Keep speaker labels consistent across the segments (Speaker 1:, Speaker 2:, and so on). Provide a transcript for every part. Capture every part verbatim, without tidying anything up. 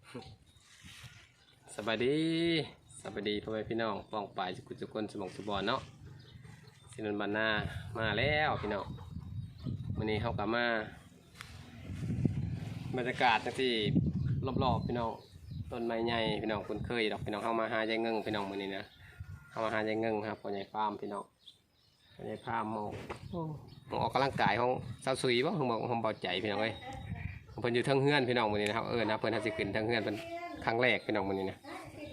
Speaker 1: สบายดีสบายดีพ่อแม่พี่น้องป้องปลายสุขุจุกคนสมองสุบอนเนาะสินนบันนามาแล้วพี่น้องวันนี้เขากลับมาบรรยากาศที่รอบๆพี่น้องต้นไม้ใหญ่พี่น้องคุ้นเคยดอกพี่น้องเข้ามาหาใจเงิงพี่น้องวันนี้นะเข้ามาหาใจเงิงครับพ่อใหญ่ฟาร์มพี่น้องพ่อใหญ่ฟาร์มมองมองออกกำลังกายของสาวสุยบ้างมองของเบาใจพี่น้องเอ้ยเพิ่นอยู่ทั้งเฮือนพี่น้องวันนี้นะครับเออนะเพิ่นทัศขึ้นทั้งเฮือนเป็นครั้งแรกพี่น้องวันนี้นะไป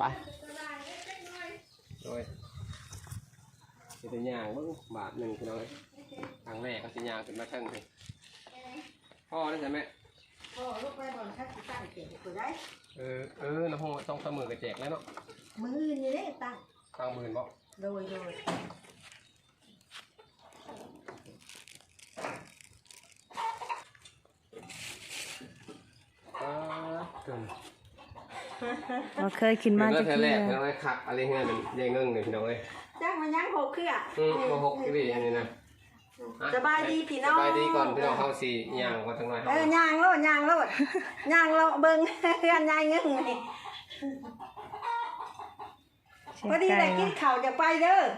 Speaker 1: โดยสิเป็นย่างเบิ้งบาทหนึ่งพี่น้องเลยครั้งแรกก็สิย่างขึ้นมาทั้งเลยพ่อได้ใช่ไหม
Speaker 2: พ่อลูกไปบอลทักสิตั้งเก็บกูได้
Speaker 1: เออเออน้ำห้องต้องเสมอกระแจกแล้วเนาะ
Speaker 2: มืออื่นนี่ได้ตั้ง
Speaker 1: ตั้งหมื่นบ่
Speaker 2: โดยโดย
Speaker 1: เออเกิน
Speaker 3: เราเคยกินมา
Speaker 1: จากที่แรกพี่น้องเลยขักอะไรเงี้ยเป็นยังเงิ่งเลยพี่น้องเลย
Speaker 2: จ้างมาย่างหกเครือ
Speaker 1: อืมมาหกที่อันนี้นะ
Speaker 2: สบายดีพี่น้อง
Speaker 1: สบายดีก่อนพี่น้องเข้าสี่ย่างก่อนทั้งหน่อย
Speaker 2: เออย่างโลดย่างโลดย่างโลดเบิ้งเพื่อนย่างเงิ่งนี่พอดีเลยกินข้าวจะไปเด้อ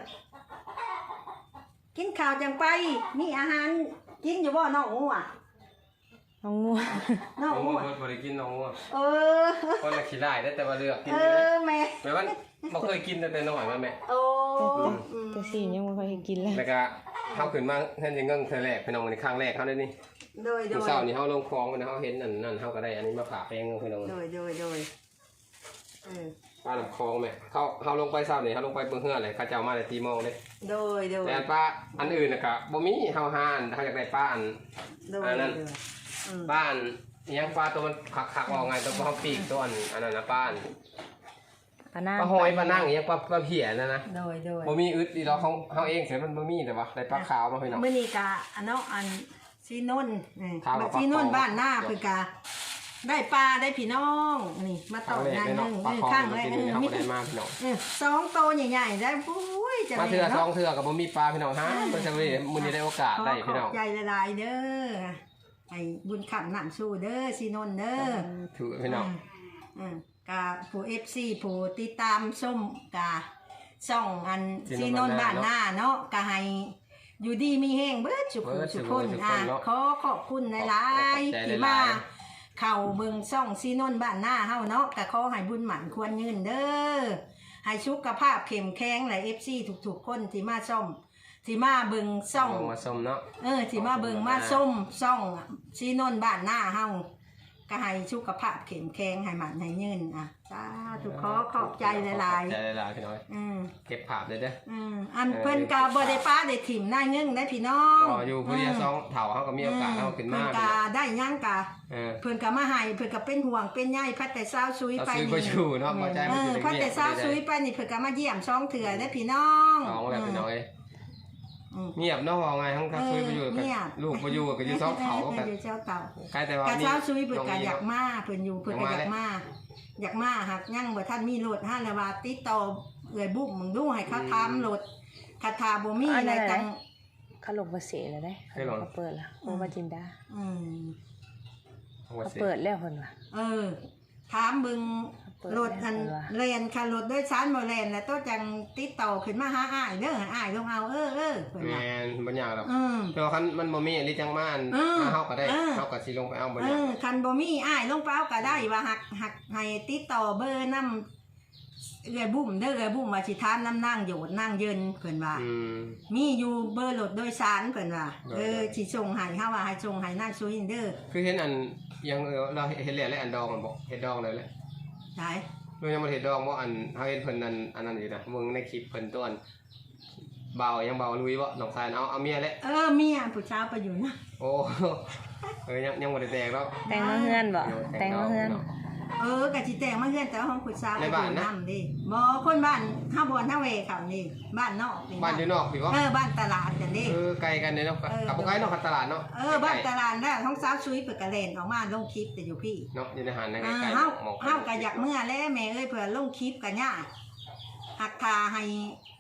Speaker 2: กินข้าวจังไปมีอาหารกินอยู่บ่น้องงัว
Speaker 3: น้องงัว
Speaker 1: น้องงัวบริกินน้องงัว
Speaker 2: เออ
Speaker 1: คนละขี้ได้ได้แต่ว่าเลือกกิน
Speaker 2: เออแม่
Speaker 1: แม่ว่าบ่เคยกินแต่น้อยแม่แม่
Speaker 2: โอ้
Speaker 3: แต่สี่ยังไม่เคยกินเลย
Speaker 1: แล้วก็เขาขึ้นมาเห็นยังเงิ่งเธอแรกพี่น้องในครั้งแรกเขาได้นี่
Speaker 2: โดยโดย
Speaker 1: เช้านี่เขาลงคลองนะเขาเห็นนั่นนั่นเขาก็ได้อันนี้มาผ่าแป้งพี่น้อง
Speaker 2: โดยโดยโดย
Speaker 1: ป้าลำคลองแม่เขาเขาลงไปเช้านี่เขาลงไปเบื้องเฮือเลยเขาเจ้ามาแต่ตีโมงเลย
Speaker 2: โดยโดย
Speaker 1: แต่ป้าอันอื่นนะครับบ่มีเขาหานเขาอยากได้ป้าอันอันนั้นป้าอันยังป้าตัวมันขักขักออกไงตัวเขาปีกตัวอันอันนั้นนะป้าป้าหอยป้านั่งยังป้าป้าเพียนะนะ
Speaker 2: โดยโดย
Speaker 1: บ่มีอึดดีเราเขาเขาเองเสียมันบ่มีแต่ว่าได้ปลาขาวมาพี่น้อง
Speaker 2: เมื่อนี้กะอันเนาะอันซีนนซีนนบ้านหน้าเพื่อกะได้ปลาได้พี่น้องนี่มาต่องานหนึ่งข้างเลย
Speaker 1: มีได้มากพี่น้อง
Speaker 2: สองโตใหญ่ๆได้ปุ้ย
Speaker 1: จะมาเถื่อสองเถื่อกับบ่มีปลาพี่น้องฮะเพิ่นจะได้มื้อนี้ได้โอกาสได้พี่น้อง
Speaker 2: ใจละลายเด้อไอ้บุญขับน้ำสู้เด้อซีนนเด้อ
Speaker 1: ถือพี่น้อง
Speaker 2: กาผู้เอฟซีผู้ติดตามส้มกาส่องอันซีนนบ้านหน้าเนาะกาให้อยู่ดีมีแห้งเบิดสุขสุขคนอ่ะขอขอบคุณหลายๆที่มาเข่าเบิ่งส่องซีนนบ้านหน้าเฮาเนาะกะขอให้บุญหมั่นควรยืนเด้อให้สุขภาพเข้มแข็งหลายเอฟซีทุกๆคนที่มาส้มที่มาเบิ่งส่อง
Speaker 1: มาส้มเนาะ
Speaker 2: เออที่มาเบิ่งมาส้มส่องซีนนบ้านหน้าเฮาก็ให้สุขภาพเข้มแข็งให้มันให้ยืนอ่ะสาธุขอขอบใจหลายๆ
Speaker 1: ใจหลายๆพี่น้อยอืมเก็บภาพเลยเด้อ
Speaker 2: อืมอันเพิ่นก็บ่ได้ป้าได้ถิ่มได้เงินได้พี่น้อง
Speaker 1: อ๋ออยู่ผู้เดียวสองเฒ่าเฮาก็มีโอกาสเฮาขึ้นมา
Speaker 2: เพิ่นก็ได้ยังก็เพิ่นก็มาให้เพิ่นก็เป็นห่วงเป็นใยพัดแต่เช้าซุยไป
Speaker 1: นี่ซื้อบ่อยู่เนาะบ่ใจ
Speaker 2: มันสิพัดแต่เช้าซุยไปนี่เพิ่นก็มาเยี่ยมสองเทื่อได้พี่น้อง
Speaker 1: น้องแล้วพี่น้อยเงียบเนาะว่าไงทั้งทั้งซุยไปอยู่กับลูกไปอยู่กับอยู่สองเฒ่า
Speaker 2: ก็อยู่เช้าเฒ่า
Speaker 1: ใกล้แต่ว่า
Speaker 2: เช้าซุยเพิ่นก็อยากมาเพิ่นอยู่เพิ่นก็อยากมาอยากมาหักยั่งบ่ท่านมีรถห้าละว่าติดต่อเอื้อยบุ้มมึงดูให้เขาทำรถคาถาบ่มีอะไรตัง
Speaker 3: เขาลงมาเสียแล้วได้เขาเปิดแล้วโอมาจินดา
Speaker 2: อืม
Speaker 3: เขาเปิดแล้วเพิ่นว่า
Speaker 2: เออถามบึงรถอันเรียนค่ะรถด้วยชั้นบ่แล่นแล้วต้องจังติดต่อขึ้นมาหาอ้ายเด้ออ้ายลงเอาเออเออ
Speaker 1: เพิ่นว่าแม่นบ่ยากหรอกแต่ว่าคันมันบ่มีอันนี้จังมาอันเฮาก็ได้เฮาก็สิลงไปเอาบ่ยากเออ
Speaker 2: คันบ่มีอ้ายลงไปเอาก็ได้ว่าหักหักให้ติดต่อเบอร์นำเอื้อยบุ้มเด้อเอื้อยบุ้มว่าสิถามนำนางโยดนางเยินเพิ่นว่ามีอยู่เบอร์รถโดยสารเพิ่นว่าเออสิส่งให้เฮาว่าให้ส่งให้นางซุยเด้อ
Speaker 1: คือเห็นอันยังเราเห็นแล้วอันดองมันบ่เฮ็ดดองเลยแหละ
Speaker 2: ใช่
Speaker 1: เรายังมาเห็นดองว่าอันเขาเห็นเพิ่นนั่นอันนั้นอยู่นะมึงในคลิปเพิ่นต้นเบายังเบาลุยบ่น้องชายเอาเอาเมียแล้ว
Speaker 2: เออเมียผู้ชายไปอยู่นะ
Speaker 1: โอ้เออยังยังบ่ได้แต่งแล้ว
Speaker 3: แต่งมาเฮือนบ่แต่งมาเฮือน
Speaker 2: เออกะสิแต่งมาเฮือนแต่ว่าของผู้ชายไปอยู่นำดิบ่คนบ้านเฮาบ่อนเฮาเวเขานี่บ้านนอกนี่
Speaker 1: บ้านอยู่นอกพี่บ่
Speaker 2: เออบ้านตลาดจังดิ
Speaker 1: เออไกลกันเนาะกับบ่ไกลเนาะตลาดเนาะ
Speaker 2: เออบ้านตลาดน่ะท้องสาวซุยเพิ่นก็เล่นออกมาลงคลิปแต่อยู่พี่
Speaker 1: เนาะอยู่ในหาดนั่นไกล
Speaker 2: ๆเฮาเฮาก็อยากเมื่อแล้วแม่เอ้ยเพิ่นลงคลิปก็ยากหักทาให้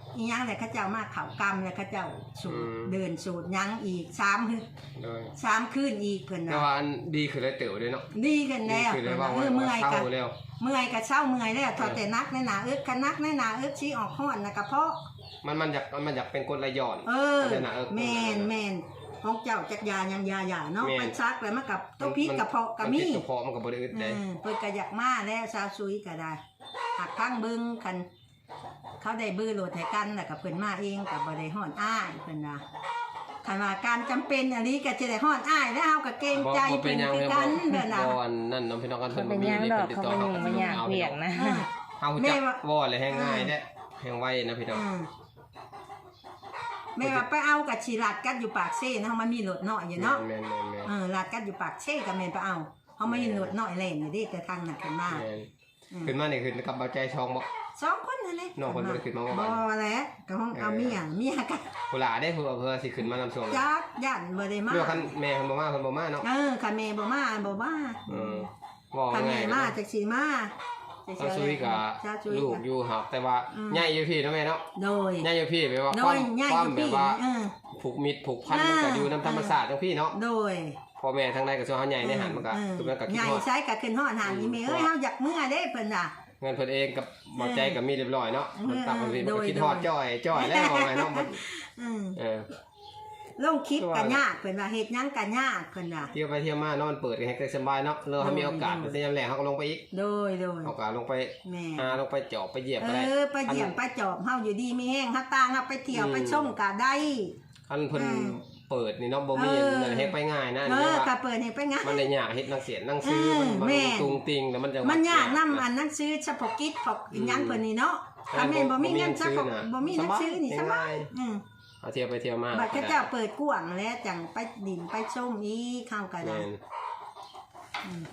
Speaker 2: อีหยังแล้วเขาเจ้ามาเข้ากรรมแล้วเขาเจ้าสูตร
Speaker 1: อืม
Speaker 2: เดินสูตรหยังอีกสามคืน
Speaker 1: โดย
Speaker 2: สามคืนอีกเพิ่น
Speaker 1: แต่
Speaker 2: ว่า
Speaker 1: ว่าอันดีคือได้เต๋อด้วยเนาะ
Speaker 2: ดีกันแล้ว
Speaker 1: ดีคือได้
Speaker 2: เพิ่น
Speaker 1: ว่า
Speaker 2: ว่าเออเมื่อย
Speaker 1: เศ
Speaker 2: กั
Speaker 1: ร้าน แล้ว
Speaker 2: เมื่อยก็เช้าเมื่อยแล้วทอแต่นักในหนาอึกคันนักในหนาอึกชี้ออกฮ้อนนะกระเพาะ
Speaker 1: มันมันอยากมันอยากเป็นกรดไหลย้อน
Speaker 2: เออ
Speaker 1: มันจะหนาเออ
Speaker 2: แม่นแม่นของเจ้าจักยายังยาหยาเนาะ
Speaker 1: แม่น
Speaker 2: ไปซักแล้วมันกับตัวพิษกระเพาะก็
Speaker 1: น
Speaker 2: มี
Speaker 1: พิษกระเพาะมันก็บ่ได้อึด
Speaker 2: เอ
Speaker 1: ได้
Speaker 2: อเพิ่นก็อยากมาแล้วซาวซุยก็ได้หักข้างเบิ่งคันเขาได้บื้อโหลดให้กันแล้วก็เพิ่นมาเองก็บ่ได้ฮ้อนอ้ายเพิ่นว่าคันว่าการจำเป็นอันนี้ก็จะได้ฮ้อนอ้ายแล้วเฮาก็เกรงใจ
Speaker 1: บ่เป็
Speaker 2: เพิ่
Speaker 1: น
Speaker 2: น
Speaker 1: หยัง
Speaker 2: คือ
Speaker 1: เลย
Speaker 2: กันเด้อนะ
Speaker 1: บ่อันนั่นน้องพี่น้องกัน
Speaker 3: เขา
Speaker 1: เพิ่น
Speaker 3: เป็น
Speaker 1: บ่มี
Speaker 3: ย่าง
Speaker 1: นี่
Speaker 3: ดอก
Speaker 1: ติด
Speaker 3: เขา
Speaker 1: ต่อ
Speaker 3: เป็น
Speaker 1: เฮา
Speaker 3: ห
Speaker 1: ก็
Speaker 3: ยัง
Speaker 1: สิ
Speaker 3: มันยาก
Speaker 1: เอา
Speaker 3: เวี
Speaker 1: พี่
Speaker 3: ย
Speaker 1: น้
Speaker 3: ก
Speaker 1: อง
Speaker 3: นะ
Speaker 1: เฮาจักบ่เลยแห้งง่ายเด้แห้งไวนะพี่น้อง
Speaker 2: อืมแม่ว่าไปเอากับชีลัดกัดอยู่ปากเซ่นะเฮามันมีรถน้อยอยู่เนาะ
Speaker 1: แม่นๆๆ
Speaker 2: เออลัดกัดอยู่ปากเซ่ก็แม่นไปเอาเฮาไม่มีรถน้อยเล่นอยู่ดิแต่ทางนั้นขึ้นมา
Speaker 1: แม่น
Speaker 2: อืม
Speaker 1: ขึ้นมานี่ขึ้นกับเบาใจช่องบ่
Speaker 2: สองคนนั่นแหละ
Speaker 1: น้องคนบ่ได้ขึ้นมาบ่
Speaker 2: บ่แล้วก็ห้องเอาเมียเมียกัน
Speaker 1: ผู้หลาได้ผู้เพิ่นสิขึ้นมานำส่ง
Speaker 2: จักยันบ่ได้มา
Speaker 1: เรื่องคันแม่เพิ่นบ่มาเพิ่นบ่มาเนาะ
Speaker 2: เออคันแม่บ่มาบ่มา
Speaker 1: เออว่า
Speaker 2: คัน
Speaker 1: ง่า
Speaker 2: แม่
Speaker 1: ยๆ
Speaker 2: มา
Speaker 1: เนาะ
Speaker 2: จักสิมา
Speaker 1: ซาซุยกับ
Speaker 2: ซาซุย
Speaker 1: ลูกอยู่ครับแต่ว่า
Speaker 2: อืม
Speaker 1: ใหญ่อยู่พี่เนาะแม่เนาะ
Speaker 2: โดย
Speaker 1: ใหญ่อยู่พี่แปลว่า
Speaker 2: โด
Speaker 1: ความ
Speaker 2: ยง่าย
Speaker 1: ควา
Speaker 2: อ
Speaker 1: ม
Speaker 2: ยู่
Speaker 1: แบ
Speaker 2: พี่
Speaker 1: บว่า
Speaker 2: เออ
Speaker 1: ผูกมิตรผูกพันมันก็อยู่นำธรรมศาสตร์จังพี่เนาะ
Speaker 2: โดย
Speaker 1: พ่อแม่ทางใดก็ส่วนเฮาใหญ่ในหันมันก็
Speaker 2: เออ
Speaker 1: คือมันก็คิด
Speaker 2: ใหญ่
Speaker 1: ฮอด
Speaker 2: ใช้ก็ขึ้นฮอดหานอีแม่เอ้ยเฮาอยากเมื่อเด้เพิ่นน่ะ
Speaker 1: เงินเพิ่นเองกับบ่ใจก็มีเรียบร้อยเนาะมันตักมันพี่มัน
Speaker 2: โด
Speaker 1: ก็
Speaker 2: ย
Speaker 1: คิดฮอด
Speaker 2: โดย
Speaker 1: จ้อยจ้อยแล้วว่าไงเนาะมัน
Speaker 2: อืม
Speaker 1: เออ
Speaker 2: ลงคลิปก็ยากเพิ่นว่าเฮ็ดหยังก็ยากเพิ่นว่า
Speaker 1: เที่ยวไปเที่ยวมานอนเปิดกันให้สบายเนาะแล้วถ้ามีโอกาสแต่ยามแลงเฮาก็ลงไปอีก
Speaker 2: โดยโดย
Speaker 1: โอกาสลงไป
Speaker 2: แม่
Speaker 1: หาลงไปเจาะไปเหยียบ
Speaker 2: เอ
Speaker 1: ก็ได้
Speaker 2: อไปเยี่ยมไปจอบเฮาอยู่ดีมีแห้งเฮาต่างเฮาไปเที่ยวไปชมก็ได้
Speaker 1: คันเพิ่น
Speaker 2: อืม
Speaker 1: เปิดนี่เนาะบ่มี
Speaker 2: เออ
Speaker 1: นั่นเฮ็ดไปง่ายนะอัน
Speaker 2: เอ
Speaker 1: นี้
Speaker 2: อ
Speaker 1: ว่า
Speaker 2: ก็เปิดให้ไปงาน
Speaker 1: มันได้ยากเฮ็ดหนังเสียนหนังซื้อ
Speaker 2: เออ
Speaker 1: มันมัน
Speaker 2: แม่
Speaker 1: ตุงติงแล้วมันจะ
Speaker 2: มันยากนำอันหนังสือเฉพาะกิจพวกอีหยังเพิ่นนี่เนาะถ้าแม่นบ่มีเงินเฉพาะบ่มีหนังสือนี่สบายอืม
Speaker 1: เอาเที่ยวไปเที่ยวมา
Speaker 2: บัดเขาเจ้าเปิดกว้างแล้วจังไปดินไปชมอีกเข้าก็ได้
Speaker 1: แม่น
Speaker 2: อืม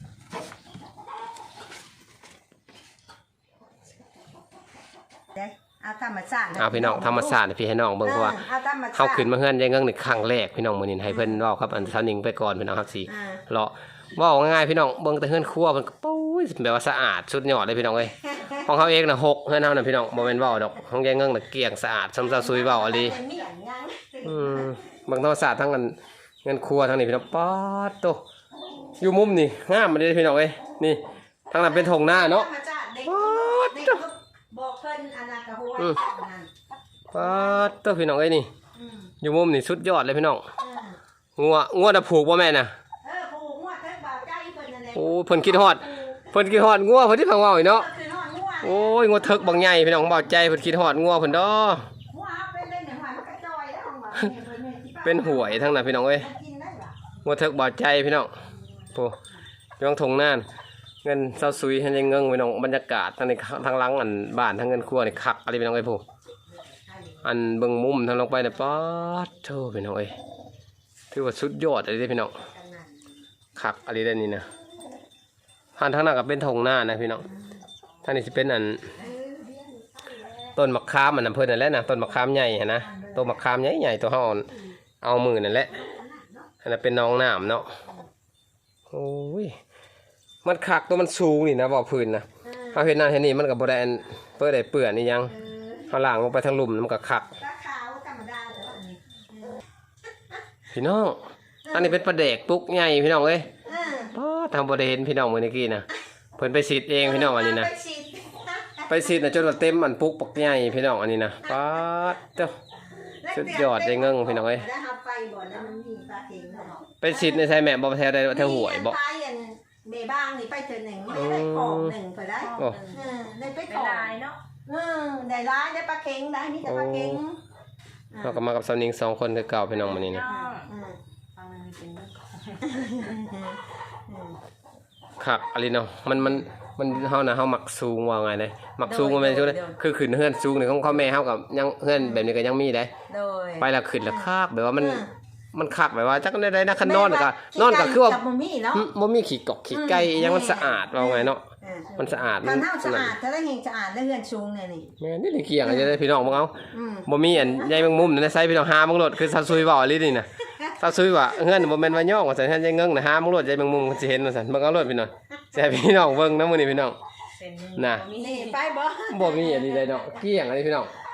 Speaker 2: เด้เอาธรรมชาติ
Speaker 1: เอาพี่น้องธรรมศาสตร์พี่ให้น้องเบิ่งเพราะว่า
Speaker 2: เอาธรรมชาติ
Speaker 1: เฮาขึ้นมาเฮือนยายเงิงนี่ครั้งแรกพี่น้องมื้อนี้ให้เพิ่นเว้าครับอันสาวหนิงไปก่อนพี่น้องครับสิ
Speaker 2: อ่า
Speaker 1: เลาะเว้าง่ายๆพี่น้องเบิ่งแต่เฮือนครัวเพิ่นก็ปุ้ยแบบว่าสะอาดสุดยอดเลยพี่น้องเอ้ยของเฮาเองน่ะหกเฮือนเฮาน่ะพี่น้องบ่แม่นเว้าดอกของยายเงิงน่ะเกลี้ยงสะอาดสำซาซุยเว้าอะลี
Speaker 2: เป็นเมียนยัง
Speaker 1: อืมเบิ่งธรรมศาสตร์ทั้งอันเงินครัวทั้งนี้พี่น้องป๊าดโตอยู่มุมนี่งามมาเด้พี่น้องเอ้ยนี่ทางนั้นเป็นทงหน้าเนาะ
Speaker 2: ธรรมชาติเด็ก
Speaker 1: ป๊าด
Speaker 2: เด็ก
Speaker 1: โต
Speaker 2: บอกเพิ่นอันนั้นก็หัว
Speaker 1: อืม
Speaker 2: นั่น
Speaker 1: ป๊าดโตพี่น้องเอ้ยนี่
Speaker 2: อืม
Speaker 1: อยู่มุมนี่สุดยอดเลยพี่น้อง
Speaker 2: เออ
Speaker 1: งัวงัวน่ะผูกบ่แม่นน่ะ
Speaker 2: เออผูกงวดเทิงบ่าวใจเพิ่นนั่นแหละ
Speaker 1: โอ้เพิ่นคิดฮอดเพิ่นคิดฮอดงัวเพิ่นที่พังเว้าอีกเนาะ
Speaker 2: ก็คือฮอดงวด
Speaker 1: โอ้ยงัวเถิกบางใหญ่พี่น้องเบาใจเพิ่นคิดฮอดงัวเพิ่นดอ
Speaker 2: หัวเอาเป็นเป็นหอยมันก็จอยแล้วของบ่าวเนี่ยเพิ่นเนี่ยสิป้า
Speaker 1: เป็นหวยทั้งนั้นพี่น้องเอ้ย
Speaker 2: มันกินได้บ่
Speaker 1: งัวเถิกเบาใจพี่น้องโอ้ยองทงหน้าเงินเซาซุยให้ยังเงิงพี่น้องบรรยากาศทางในทางหลังอันบ้านทางเงินครัวนี่คักอะไรพี่น้องเอ้ยผู้อันเบิ่งมุมทางลงไปเนี่ยป๊าดโธ่พี่น้องเอ้ยถือว่าสุดยอดอะไรเด้อพี่น้องคักอะไรได้นี่นะหันทางนั้นก็เป็นทงหน้านะพี่น้องทางนี้สิเป็นอันต้นมะขามอันนั้นเพิ่นนั่นแหละนะต้นมะขามใหญ่หั่นนะต้นมะขามใหญ่ๆตัวเฮาเอามือนั่นแหละอันนั้นเป็นน้องน้ำเนาะโอ้ยมันคักตัวมันสูงนี่นะบ่พื้นนะเฮาเฮ็ดนั่นเฮ็ดนี่มันก็บ่ได้อันเปื้อได้เปื้อนนี่ยังเฮาล้างลงไปทางหลุมมันก็คัก
Speaker 2: ปลาขาวธรรมดาแต่ว่าอันนี้
Speaker 1: พี่น้องอันนี้เป็นปลาแดกปุกใหญ่พี่น้องเอ้ย
Speaker 2: เออ
Speaker 1: ป๊าดทำบ่ได้เห็นพี่น้องมื้อนี้กี้นะเพิ่นไปฉีดเองพี่น้องอันนี้นะ
Speaker 2: ไปฉีด
Speaker 1: ไปฉีดน่ะจนว่าเต็มอันปุกปักใหญ่พี่น้องอันนี้นะป๊าดเด้อ สุดยอดได้เงิงพี่น้องเอ้ย
Speaker 2: แล้วเอาไปบ่แล้วมันมีปลาเข็งเนาะ
Speaker 1: ไปฉีดในไสแม่บ่แท้ได้แถวหวยบ่
Speaker 2: มีอันไปอันเบบ้างนี่ไปเจอหนึ่งไม่ได้ของหนึ่งไปได้
Speaker 1: โอ้
Speaker 2: เออได้ไป
Speaker 3: เป็
Speaker 2: ข
Speaker 3: น
Speaker 2: อง
Speaker 3: ลายเนาะ
Speaker 2: เออได้ร้ายได้ปลาเข็งได้นี่แต่ปลาเข็ง
Speaker 1: เราก็มากับสาวนิงสองคนคือเก่าพี่น้องมื้อนี้นะ
Speaker 3: น้อง
Speaker 2: อืม
Speaker 3: ฟังมันเป็นเรื่องของ
Speaker 2: อืม
Speaker 1: คักอะไรเนาะมันมันมันเฮานะเฮามักสูงว่าไงเด้มักสูงบ่แม่นซุเด้คือขึ้นเฮือนสูงนี่ของพ่อแม่เฮากับยังเฮือนแบบนี้ก็ยังมีได้
Speaker 2: โดย
Speaker 1: ไปแล้วขึ้นแล้วคักแบบว่ามัน
Speaker 2: เออ
Speaker 1: มันคักแบบว่าจักได้ได้นะคันนอนก็นอนก็คือว่า
Speaker 2: จับบ่มีเนาะ
Speaker 1: หึบ่มีขี้กอกขี้ไก่
Speaker 2: อืม
Speaker 1: ยังมันสะอาดว่าไงเนาะ
Speaker 2: เออ
Speaker 1: มันสะอาด
Speaker 2: ถ้าเน่าสะอาดถ้าได้เฮงสะอาดได้เฮือนสูงเนี่ยนี่
Speaker 1: แม่นี่ได้เกี่ยงจะได้พี่น้องบ่เอา
Speaker 2: อืม
Speaker 1: บ่มีอันใหญ่แมงมุมนั่นนะใส่พี่น้องหามังรถคือซาซุยเว้าอีหลีนี่น่ะซาซุยว่าเฮือนบ่แม่นว่าย่องว่าซั่นเฮือนใหญ่เงิงน่ะหามังรถใหญ่แมงมุมสิเห็นว่าซั่นเบิ่งเอารถพี่น้องแซ่พี่น้องเบิ่งนำมื้อนี้พี่น้อง
Speaker 3: เป็น
Speaker 1: น่ะ
Speaker 3: มี
Speaker 2: นี่ไปบ่
Speaker 1: บ่มีอันนี้เลยเนาะเกี่ยงอันนี้พี่น้อง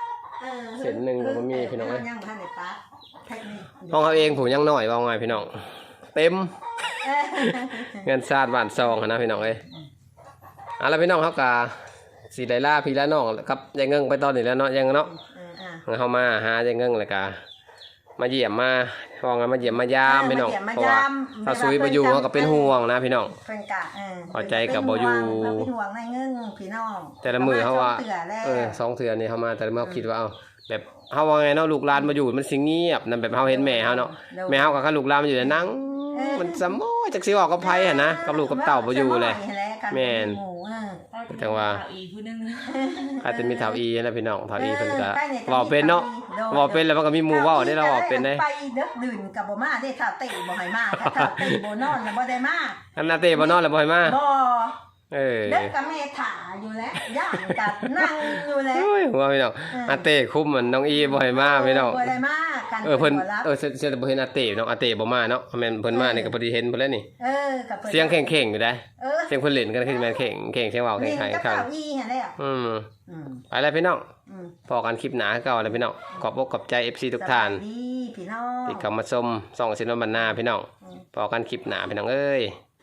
Speaker 2: ออ
Speaker 1: เส้นหนึ่งก็มีพี่น้อง
Speaker 2: เอ้ยยังบ่ทันได้ตัดเทคนิค
Speaker 1: ห้องเขาเองผมยังน้อยว่าไงพี่น้องเต็มเงินซาดบ้านซองนะพี่น้องเอ้ยเอาละพี่น้องเขากาสีไดล่าพี่ละน้องครับยายเงิงไปตอนนี้แล้วเนาะยังเนาะ
Speaker 2: เอออ่ะ
Speaker 1: เขามาหายายเงิงเลยกามาเยี่ยมมาห้องมาเยี่ยมมายามพี่น้องเพราะว่าถ้าซุยไปอยู่เขาก็เป็นห่วงนะพี่น้อง
Speaker 2: เพิ่นกะเออ
Speaker 1: พอใจกับบ่อยู่
Speaker 2: เพิ่นเป็นห่วงในเงิงพี่น้อง
Speaker 1: แต่ละมือเขาว่า
Speaker 2: เตือแล้ว
Speaker 1: เออสองเถื่อนี่เขามาแต่ละมือเขาคิดว่าเอาแบบเขาว่าไงเนาะลูกหลานมาอยู่มันสิเงียบนั่นแบบเขาเห็นแม่เขาเนาะแม่เขากับข้าลูกหลานมาอยู่ในนั่งมันสมอยจากสิออกกับไผหั่นนะกับลูกกับเต่าบ่อยู่เลยแม่น จังว่า
Speaker 3: อีกผู้นึง
Speaker 1: อาจจะมีเถาอีนะพี่น้องเถาอีเพิ่นก็เว้าเป็นเนาะเว้าเป็นแล้วมันก็มีหมู่เว้าได้เราเว้าเป็นได้
Speaker 2: ไปเด้อดื่นกับบ่มาได้ถ้าเตะบ่ให้มาถ้าถ้าเตะบ่นอนแล้วบ่ได้มา
Speaker 1: อันนาเต้บ่นอนแล้วบ่ให้มา
Speaker 2: บ่
Speaker 1: เออ
Speaker 2: เด็กกับแม่ถ่าอยู่แล้วย่างกับนั่งอยู่แล้ว
Speaker 1: โอ้ยหัวพี่น้องอาเต้คุมเหมือนน้องอีบ่ให้มาพี่น้อง
Speaker 2: บ่ได้มากัน
Speaker 1: เออเพิ่น
Speaker 2: บ่รับ
Speaker 1: เออเสียเสียแต่บ่เห็นอาเต้น้องอาเต้บ่มาเนาะแม่นเพิ่นมานี่ก็พอดีเห็นเพิ่นแล้วนี่
Speaker 2: เออกับพิ่น
Speaker 1: เสียงแข็งๆอยู่ได้
Speaker 2: เออ
Speaker 1: เสียงเพิ่นเล่นกันคือแม่นแข็งแข็งเสียงเว้าแข็
Speaker 2: นี่
Speaker 1: ง
Speaker 2: กับ
Speaker 1: ๆครับ
Speaker 2: เก้าอี้หั่นแหละ
Speaker 1: อืม
Speaker 2: อืม
Speaker 1: ไปแล้วพี่น้อง
Speaker 2: อืม
Speaker 1: พอกันคลิปหน้าคือเก่าแล้วพี่น้องขอบอกขอบใจ เอฟ ซี ทุกท่าน
Speaker 2: สบยดีพี่น้อง
Speaker 1: ที่เข้ามาชมส่องสินวันบรรณาพี่น้อง
Speaker 2: อืม
Speaker 1: พอกันคลิปหน้าพี่น้องเอ้ย